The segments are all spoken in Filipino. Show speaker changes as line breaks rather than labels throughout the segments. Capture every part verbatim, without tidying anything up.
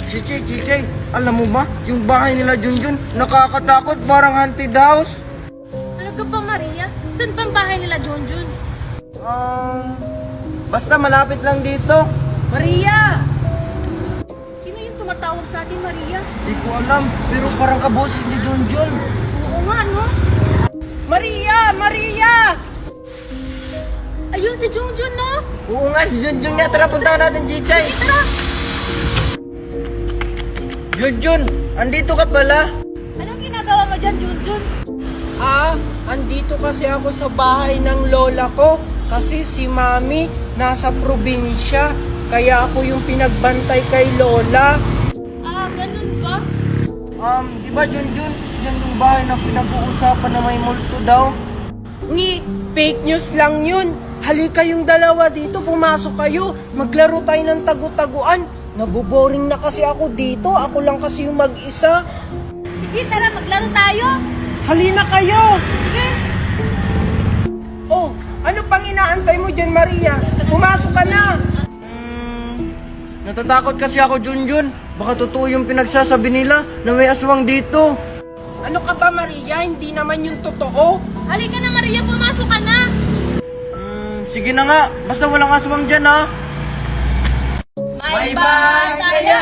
Chichay, Chichay, alam mo ba, yung bahay nila Junjun, nakakatakot, parang haunted house.
Talaga ba, Maria? Saan bang bahay nila, Junjun?
Um, basta malapit lang dito. Maria!
Sino yung tumatawag sa atin, Maria?
Di ko alam, pero parang kaboses ni Junjun.
Oo nga, no?
Maria! Maria!
Ayun si Junjun, no?
Oo nga, si Junjun nga. Tara, puntahan natin, Chichay.
Sige, tara!
Junjun, andito ka pala?
Anong ginagawa mo dyan, Junjun?
Ah, andito kasi ako sa bahay ng lola ko. Kasi si Mami nasa probinsya. Kaya ako yung pinagbantay kay lola.
Ah, ganun ba?
Um, di ba Junjun, yan yung bahay na pinag-uusapan na may multo daw? Ni, fake news lang yun. Halika yung dalawa dito, pumasok kayo. Maglaro tayo ng tagu-taguan. Naboboring na kasi ako dito. Ako lang kasi yung mag-isa.
Sige, tara, maglaro tayo.
Halina kayo!
Sige.
Oh, ano pang inaantay mo dyan, Maria? Pumasok ka na! Hmm, natatakot kasi ako, Junjun. Baka totoo yung pinagsasabi nila na may aswang dito. Ano ka ba, Maria? Hindi naman yung totoo.
Halika na, Maria, pumasok ka na.
Hmm, sige na nga. Basta walang aswang dyan, ha?
May bantaya!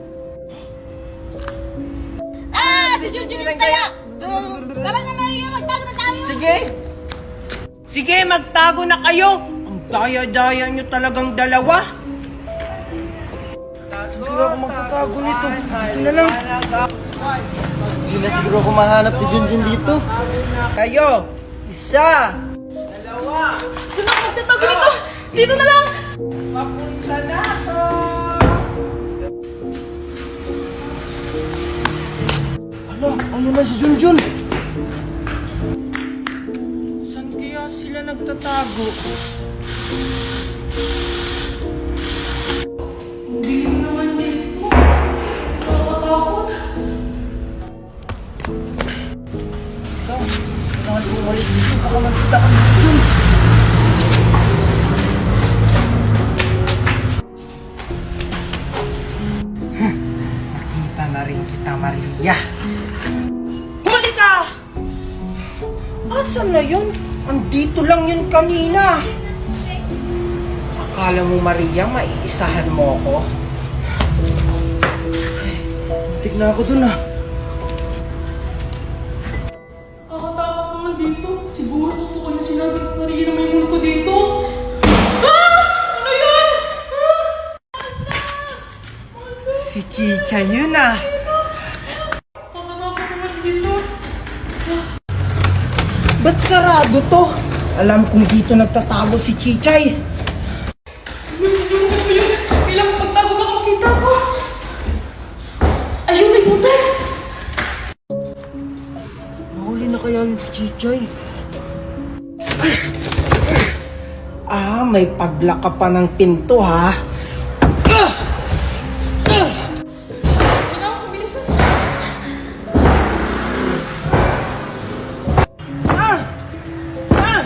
Ah, si Junjun yung taya! Tara na, Maria, magtago na tayo!
Sige! Sige, magtago na kayo! Ang daya-daya nyo talagang dalawa! Siguro ako magtatago nito. Dito na lang. Hindi na siguro ako mahanap ni Junjun dito. Kayo! Isa! Dalawa!
Sino ang magtatago nito? Dito na lang!
Papunta na to! Hala, ayun na si Junjun! Saan kaya sila nagtatago? Hindi naman dito. Nakakatakot. Ikaw, kailangan ko umalis dito. Baka magkita ka ni Junjun. Nakita na rin kita, Maria. Huli ka! Asan na yun? Andito lang yun kanina. Akala mo, Maria, maiisahan mo ako? Muntik na ako dun, ah.
Nakakatakot naman dito. Siguro totoo yung sinabi ni Maria na may multo dito. Ah! Ano yan?
Si Chicha yun, ah.
Nakakatakot naman dito.
Ba't sarado to? Alam kong dito nagtatago si Chichay.
May siguro ko yun. Kailangan magtago baka makita ko. Ayun, may butas.
Nahuli na kaya yung si Chichay? Ah, may paglaka pa ng pinto, ha?
Kailangan ko bilisan.
Ah! Ah!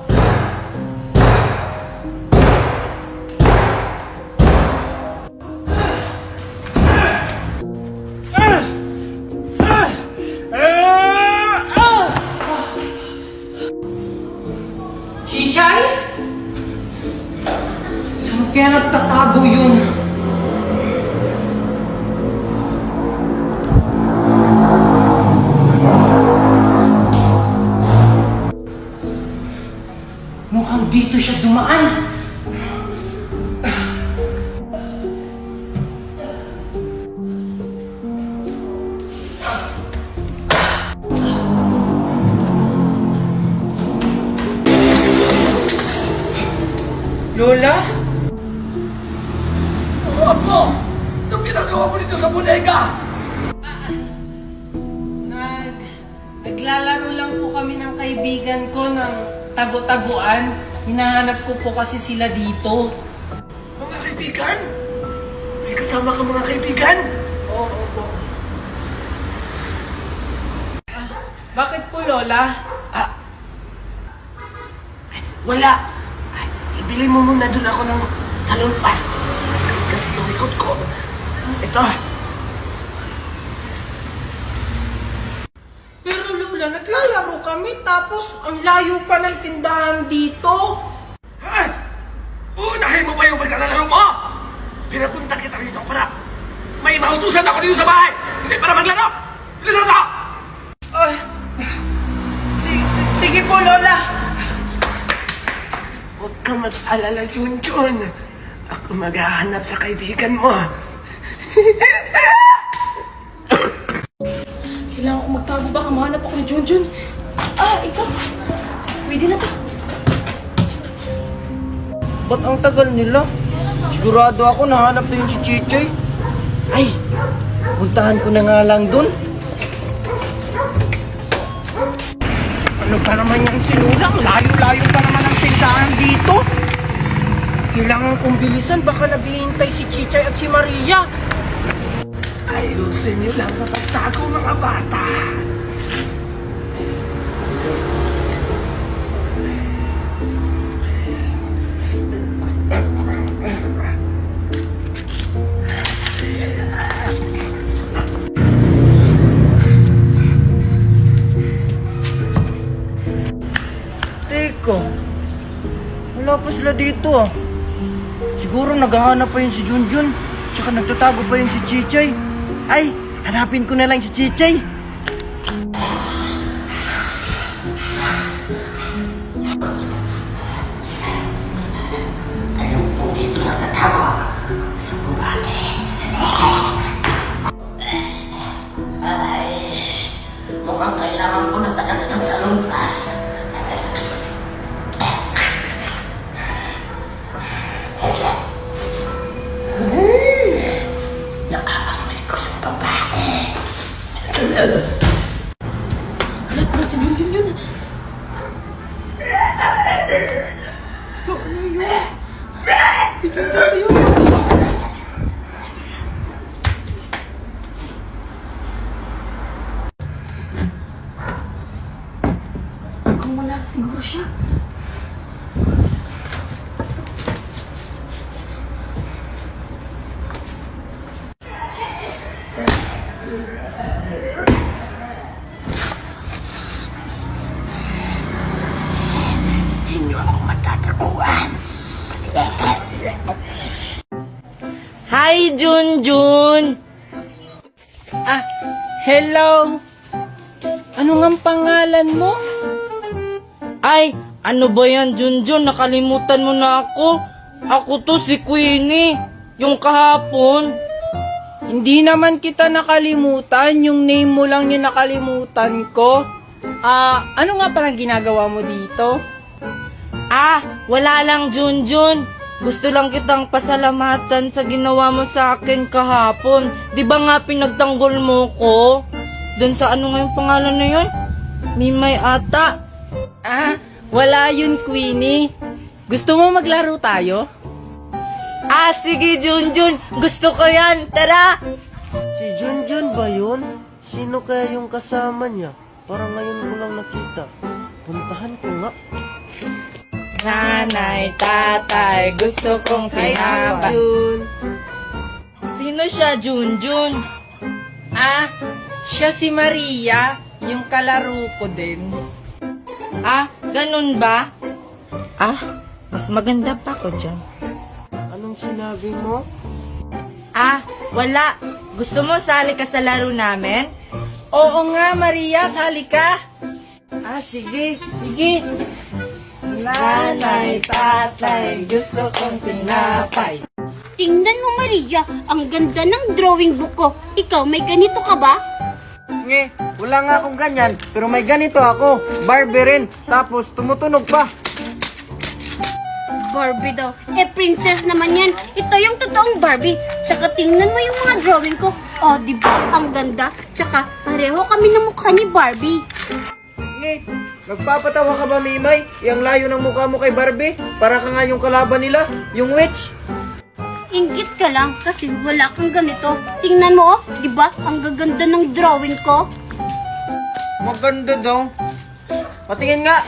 Ah! Ah! Ah! Ah! Chichay? Saan kaya nagtatago yun? Mukhang dito siya dumaan. Lola?
Apo! Anong ginagawa mo dito sa bodega?
Nag... Naglalaro lang po kami ng kaibigan ko ng tago-taguan. Hinahanap ko po kasi sila dito.
Mga kaibigan? May kasama ka mga kaibigan?
Oo, opo. Bakit po, Lola?
Wala. Ay, ibili mo muna doon ako ng salon pass. Masakit kasi yung likod ko. Ito,
kami, tapos ang layo pa ng tindahan dito.
Ha? Unahin mo pa yung pagkalalaro mo! Pinapunta kita rito para may mautusan ako dito sa bahay! Hindi para maglaro! Bilisan mo!
Ay, si, si, sige po, Lola.
Huwag kang mag-alala, Junjun. Ako maghahanap sa kaibigan mo.
Kailangan ko magtago, baka mahanap ako ni Junjun. Ah, ito. Pwede na to.
Ba't ang tagal nila? Sigurado ako nahanap na yung si Chichoy. Ay, puntahan ko na nga lang dun. Ano pa naman yung sinulang? Layo-layo pa naman ang tindahan dito. Kailangan kong bilisan, baka naghihintay si Chichoy at si Maria.
Ayusin niyo lang sa pagtago, mga bata.
Teka, wala pa sila dito ah. Siguro naghahanap pa yun si Junjun, tsaka nagtatago pa yun si Chichoy. Ay, hanapin ko na lang si Chichoy.
Ayun po dito natatago sa babae. Ay, mukhang kailangan ko na talaga ng salungkas. Nakaamoy ko yung babae.
Wala pa rin si Junjun yun. Si Junjun ba yun? Mukhang wala siguro siya.
Hindi niyo ako matatakuan.
Hi, Junjun!
Ah, hello. Ano ngang pangalan mo?
Ay, ano ba yan, Junjun? Nakalimutan mo na ako. Ako to si Queenie. Yung kahapon.
Hindi naman kita nakalimutan, yung name mo lang yung nakalimutan ko. Ah, ano nga palang ginagawa mo dito?
Ah, wala lang, Junjun. Gusto lang kitang pasalamatan sa ginawa mo sa akin kahapon. Di ba nga pinagtanggol mo ko? Doon sa ano nga yung pangalan na yun? Mimay ata.
Ah, wala yun, Queenie. Gusto mo maglaro tayo?
Ah, sige, Junjun. Gusto ko yan. Tara!
Si Junjun ba yun? Sino kaya yung kasama niya? Parang ngayon ko lang nakita. Puntahan ko nga.
Nanay, tatay, gusto kong pinaba.
Junjun.
Sino siya, Junjun?
Ah, siya si Maria, yung kalaro ko din.
Ah, ganun ba? Ah, mas maganda pa ko dyan.
Anong sinabi mo?
Ah, wala. Gusto mo sali ka sa laro namin?
Oo nga, Maria, sali ka. Ah, sige. Sige.
Nanay, tatay, gusto kong pinapay.
Tingnan mo, Maria, ang ganda ng drawing book ko. Ikaw, may ganito ka ba?
Nge, wala nga akong ganyan, pero may ganito ako. Barbie rin, tapos tumutunog pa.
Barbie daw. Eh, princess naman yan. Ito yung totoong Barbie. Tsaka tingnan mo yung mga drawing ko. Oh, di ba? Ang ganda. Tsaka pareho kami ng mukha ni Barbie.
Nge, nagpapatawa ka ba, Mimay? Yang layo ng mukha mo kay Barbie? Para ka nga yung kalaban nila, yung witch.
Ingit ka lang kasi wala kang ganito. Tingnan mo, oh. Di ba? Ang gaganda ng drawing ko.
Maganda daw. Patingin nga.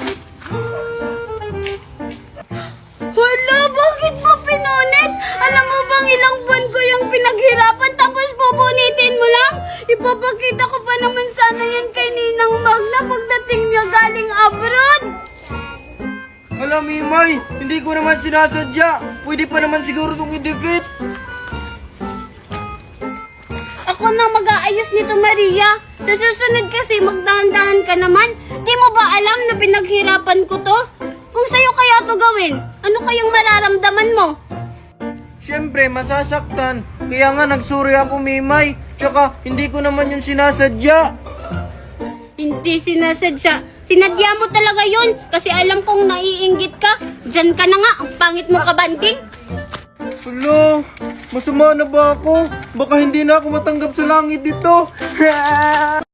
Hala, bakit mo pinunit? Alam mo bang ilang buwan ko yung pinaghirapan tapos pupunitin mo lang? Ipapakita ko pa naman sana yan kay Ninang Magna pagdating niya, galing abroad.
Alam, Mimay, hindi ko naman sinasadya. Pwede pa naman siguro itong idikit.
Ako na mag-aayos nito, Maria. Sa susunod kasi, magdahan-dahan ka naman. Di mo ba alam na pinaghirapan ko to? Kung sa'yo kaya to gawin, ano kayang mararamdaman mo?
Siyempre, masasaktan. Kaya nga nagsuri ako, Mimay. Tsaka, hindi ko naman yun sinasadya.
Hindi sinasadya. Sinadya mo talaga yun kasi alam kong naiinggit ka. Diyan ka na nga, ang pangit mo kabanding.
Hala, masama na ba ako? Baka hindi na ako matanggap sa langit dito.